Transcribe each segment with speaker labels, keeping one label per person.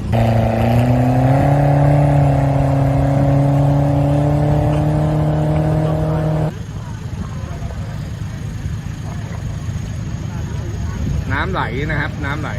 Speaker 1: น้ำไหลนะครับน้ำไหล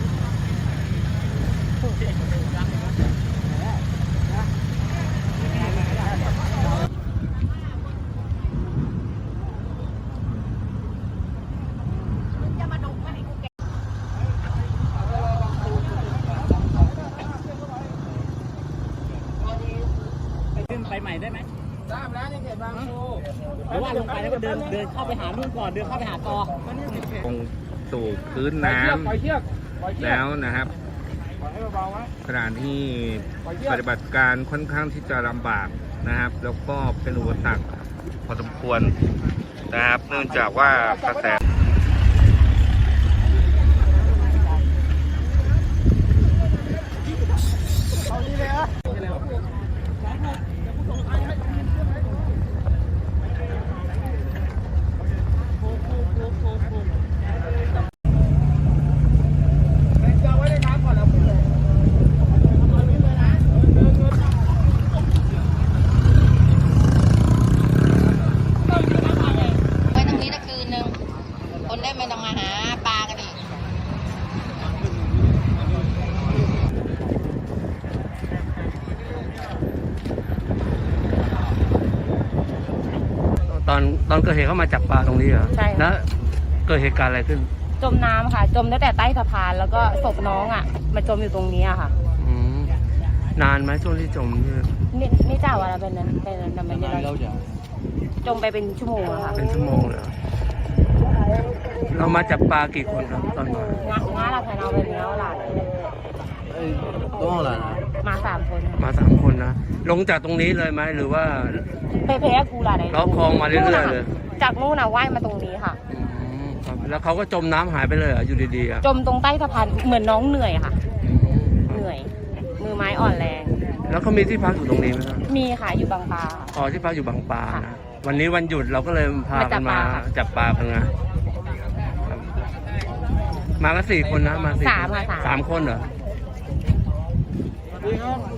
Speaker 2: ไปใหม่ได้ไหม
Speaker 1: ทราบแล้วในเขตบางปู
Speaker 2: หรือว่าลงไปแล้วก็เดินเข้าไปหานู่นก่อนเดินเข้าไปหาต่อ
Speaker 1: ลงสู่พื้นน้ำแล้วนะครับสถานที่ปฏิบัติการค่อนข้างที่จะลำบากนะครับ แล้วก็เป็นอุปสรรคพอสมควรนะครับ เนื่องจากว่ากระแส
Speaker 3: คนได้ไม่ต้องมาหาปลากันอีก
Speaker 4: ตอนเกิดเหตุเขามาจับปลาตรงนี้เหรอใช่แล้วเกิดเหตุการณ์อะไรขึ้น
Speaker 3: จมน้ำค่ะจมตั้งแต่ใต้สะพานแล้วก็ศพน้องอ่ะมาจมอยู่ตรงนี้ค่ะ
Speaker 4: นานไหมช่วงที่จม
Speaker 3: นี่จ้าว่าเราเป็นนั้นทำไมเราจมไปเป็นชั่วโมงค่ะ
Speaker 4: เป็นชั่วโมงเลยเรามาจับปลากี่คนครับตอนนี้
Speaker 3: ง้าเราแทนเอาไปเนี้ยหลาน
Speaker 4: ต้องอะไร
Speaker 3: มา3 คน
Speaker 4: มา3 คนนะลงจากตรงนี้เลยไหมหรือว่า
Speaker 3: เพกูหลาน
Speaker 4: เราคลองมาเรื่อยๆเลย
Speaker 3: จากนู่นน่ะว่ายมาตรงนี้ค่ะ
Speaker 4: แล้วเขาก็จมน้ำหายไปเลยอยู่ดีๆ
Speaker 3: จมตรงใต้สะพานเหมือนน้องเหนื่อยค่ะเหนื่อยมือไม้อ่อนแรง
Speaker 4: แล้วเขามีที่พักอยู่ตรงนี้ไหมครับ
Speaker 3: มีค่ะอยู่บางปลา
Speaker 4: อ๋อที่พักอยู่บางปลานะวันนี้วันหยุดเราก็เลยพากันมาจับปลากันนะมากัน4 คนนะมา3 คนเหรอ